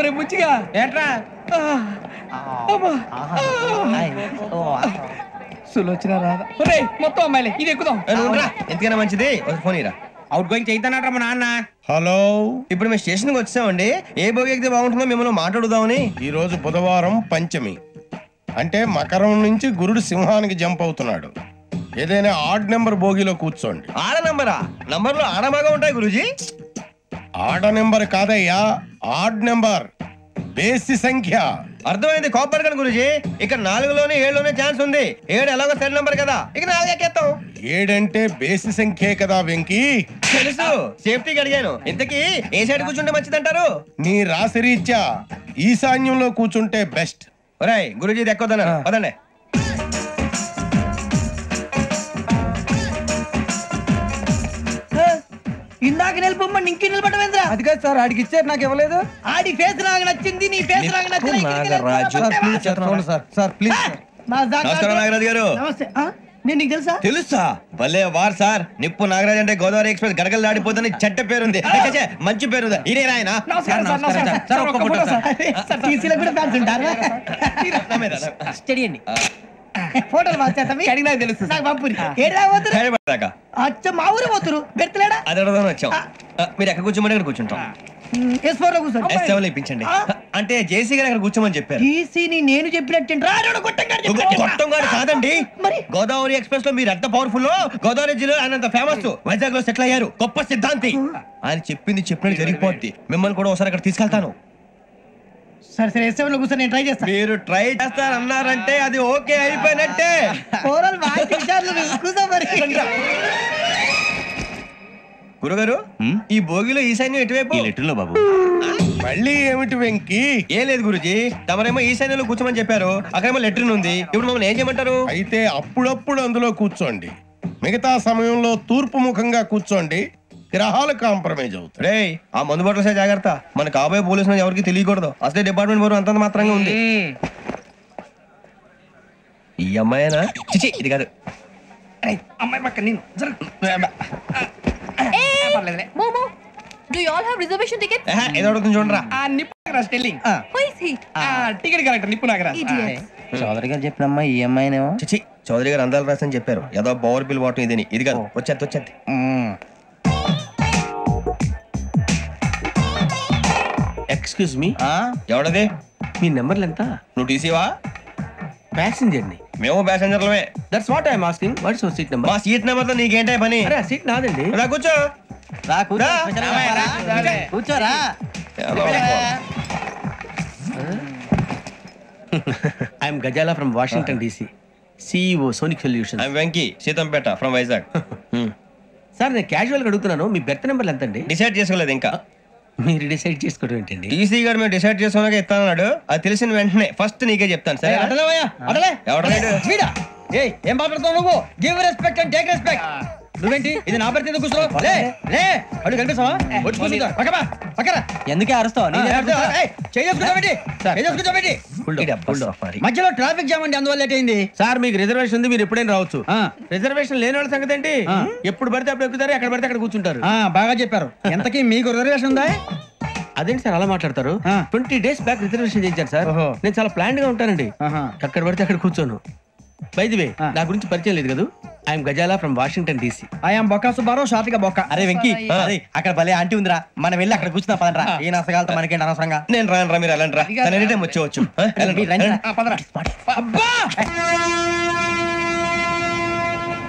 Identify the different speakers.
Speaker 1: ఒరే బుచ్చిగా
Speaker 2: ఏట్రా
Speaker 1: సులోచన రాదా ఒరే మొత్తం అమ్మాయిలే ఇది ఎక్కుదాం
Speaker 3: ఎందుకైనా మంచిది ఫోన్ ఇరా.
Speaker 2: అవుట్ గోయింగ్ చేద్దానట్రా మా నాన్న.
Speaker 4: హలో,
Speaker 3: ఇప్పుడు మేము స్టేషన్కి వచ్చామండి. ఏ బోగి ఎక్కితే బాగుంటుందో మిమ్మల్ని మాట్లాడుదామని.
Speaker 4: ఈ రోజు బుధవారం పంచమి, అంటే మకరం నుంచి గురుడు సింహానికి జంప్ అవుతున్నాడు. ఏదైనా ఆడ్ నెంబర్ బోగిలో కూర్చోండి.
Speaker 3: ఆడ నంబరా? నంబర్లు ఆడమాగా ఉంటాయి గురూజీ.
Speaker 4: ఆడ నెంబర్ కాదయ్యా, ఆడ్ నెంబర్, బేసి సంఖ్య.
Speaker 3: అర్థమైంది, కాపర్ కానీ గురూజీ. ఇక్కడ 4లోనే 7లోనే ఛాన్స్ ఉంది. 7 ఎలాగో సెల్ నంబర్ కదా, ఇక 4 ఎక్కేస్తాం.
Speaker 4: 7 అంటే బేసి సంఖ్యే కదా వెంకీ.
Speaker 3: తెలుసు, సేఫ్టీకి అడిగాను. ఇంతకీ ఏ సైడ్ కూర్చుంటే మంచిదంటారు?
Speaker 4: నీ రాశి రీత్యా ఈశాన్యంలో కూర్చుంటే బెస్ట్.
Speaker 3: ఒరేయ్ గురూజీ దెక్కొద్దన పదండి.
Speaker 1: ఇందాక నిలబొమ్మని ఇంకే నిలబడమేంద్రా?
Speaker 2: అది కాదు సార్, ఆడికి ఇచ్చారు, నాకు ఇవ్వలేదు.
Speaker 1: ఆడి ఫేస్ నాకు నచ్చింది, నీ ఫేస్ నాకు నచ్చింది.
Speaker 2: Sir please.
Speaker 3: నమస్కారం నాగరాజు గారు.
Speaker 1: నమస్తే. నేను నీకు తెలుసా?
Speaker 3: తెలుసా? భలే వార్ సార్. నిప్పు నాగరాజ్ అంటే గోదావరి ఎక్స్ప్రెస్ గడగలు దాడిపోతుంది చెడ్డ పేరుంది. మంచి పేరుంది. ఇదే ఆయన.
Speaker 1: నమస్కారం సార్. నమస్కారం సార్. ఒక్క ఫోటో సార్. సార్ టీసీలో కూడా ఫ్యాన్స్ ఉంటారా? స్టడీ అండి. ఫోటోలు మార్చేస్తాం. కడిగి నాకు తెలుసు. నాకు పంపురి. ఏడా పోతురు? అచ్చ మా ఊరు పోతురు. పెడతలేడా?
Speaker 3: అది అడగదామని వచ్చాం. మీరు ఎక్కడ కూర్చోమని అక్కడ కూర్చుంటాం.
Speaker 1: S4 లో కూర్చోండి.
Speaker 3: S7 ఇప్పించండి. అంటే జేసీ గారు అక్కడ కూర్చోమని చెప్పారు.
Speaker 1: టీసీని నేను చెప్పినట్టు
Speaker 3: గొట్టం గారు కాదండి. గోదావరి ఎక్స్ప్రెస్ లో మీరు ఎంత పవర్ఫుల్, గోదావరి జిల్లా ఆయన ఫేమస్. వైజాగ్ లో సెటిల్ అయ్యారు. గొప్ప సిద్ధాంతి. ఆయన చెప్పింది చెప్పినట్టు జరిగిపోద్ది. మిమ్మల్ని కూడా ఒకసారి అక్కడ తీసుకెళ్తాను.
Speaker 1: సరే సరే, S7 లో కూర్చొని నేను ట్రై చేస్తాను.
Speaker 3: మీరు ట్రై చేస్తారన్నారంటే అది ఓకే అయిపోయినట్టే. గురుగారు, ఈ భోగిలో ఈశాన్యం ఎటువైపు?
Speaker 5: లెటర్లో బాబు.
Speaker 4: మళ్ళీ ఏమిటి వెంకీ?
Speaker 3: ఏం లేదు గురుజీ, తమరేమో ఈశాన్యంలో కూర్చోమని చెప్పారు. అక్కడేమో లెటర్ ఉంది. ఇప్పుడు మమ్మల్ని ఏం చేయమంటారు?
Speaker 4: అయితే అప్పుడప్పుడు అందులో కూర్చోండి. మిగతా సమయంలో తూర్పు ముఖంగా కూర్చోండి. గ్రహాలు కాంప్రమైజ్ అవుతాయి.
Speaker 3: రే, ఆ మందు బట్టలసే జాగ్రత్త. మన కాబోయే పోలీసులు ఎవరికి తెలియకూడదు. అసలే డిపార్ట్మెంట్ బోర్ అంతంత మాత్రంగా ఉంది. ఈ అమ్మాయినా? చిచి, ఇది కాదు.
Speaker 1: అమ్మాయి పక్క నేను.
Speaker 6: Momo, do you all have reservation tickets?
Speaker 3: ఏదో అడుగుతుంది చూడరా.
Speaker 1: Nippu Nagaraj telling.
Speaker 6: Who is he?
Speaker 1: Ticket collector Nippu Nagaraj.
Speaker 6: Idiots.
Speaker 2: Chowdary గారు చెప్పినమ్మా ఈ అమ్మాయినేమో.
Speaker 3: చిచి, చౌదరి గారు అందాలు రాసని చెప్పారు. ఏదో పవర్ బిల్ వాటం ఇదని. ఇది కాదు, వచ్చేది.
Speaker 5: Excuse me,
Speaker 3: ఎవడది?
Speaker 5: మీ నెంబర్లు ఎంత?
Speaker 3: నువ్వు టీసీవా?
Speaker 5: ప్యాసింజర్ ని.
Speaker 3: మేము ప్యాసెంజర్లమే.
Speaker 5: That's what I'm asking. What's your seat number?
Speaker 3: మా సీట్ నెంబర్ తో నీకేంటే పని?
Speaker 5: అరే ఆ సీట్ నాదండి.
Speaker 3: రా కూర్చో.
Speaker 2: కూర్చోరా.
Speaker 5: I'm Gazala from Washington DC, CEO Sonic Solutions.
Speaker 3: I'm Venky, Seethampeta from Vizag.
Speaker 5: Sir నేను క్యాజువల్ గా అడుగుతున్నాను, మీ బెర్త్ నెంబర్లు ఎంత అండి?
Speaker 3: డిసైడ్ చేసుకోలేదు ఇంకా.
Speaker 5: మీరు డిసైడ్ చేసుకోవడం ఏంటండి?
Speaker 3: టీసీ గారు మేము డిసైడ్ చేసుకున్నాక ఇస్తానన్నాడు. అది తెలిసిన వెంటనే ఫస్ట్ నీకే చెప్తాను. సరే
Speaker 2: ఏం మాట్లాడుతావు నువ్వు? Give respect and take respect. నువ్వేంటి ఇది నా పరిస్థితి కూర్చో. అడుగు కనిపిస్తావా? ఎందుకే అరుస్తావు? మధ్యలో ట్రాఫిక్ జామ్ అండి, అందువల్ల లేట్ అయింది.
Speaker 5: సార్ మీకు రిజర్వేషన్ ఉంది, మీరు ఎప్పుడైనా రావచ్చు. రిజర్వేషన్ లేని వాళ్ళ సంగతి ఏంటి? ఎప్పుడు పడితే అప్పుడు ఎక్కుతారు, ఎక్కడ పడితే అక్కడ కూర్చుంటారు.
Speaker 2: బాగా చెప్పారు. ఎంతకీ మీకు రిజర్వేషన్ ఉందా?
Speaker 5: అదేంటి సార్ అలా మాట్లాడతారు? 20 days బ్యాక్ రిజర్వేషన్ చేయించారు సార్. నేను చాలా ప్లాన్డ్ గా ఉంటానండి. ఎక్కడ పడితే అక్కడ కూర్చోను. బై ది వే, నా గురించి పరిచయం లేదు కదా. I'm Gazala from Washington DC.
Speaker 2: I'm Bokka Subbarao, షాతిక బొక్క. అరే వెంకీ, అక్కడ భలే ఆంటీ ఉందిరా, మనం వెళ్ళి అక్కడ కూర్చున్నా పదరా. ఏ నసగాలతో మనకేంటి అనవసరంగా.
Speaker 3: నేను రాను రా, మీరు వెళ్ళండి రా. వచ్చేవచ్చు.
Speaker 2: అబ్బా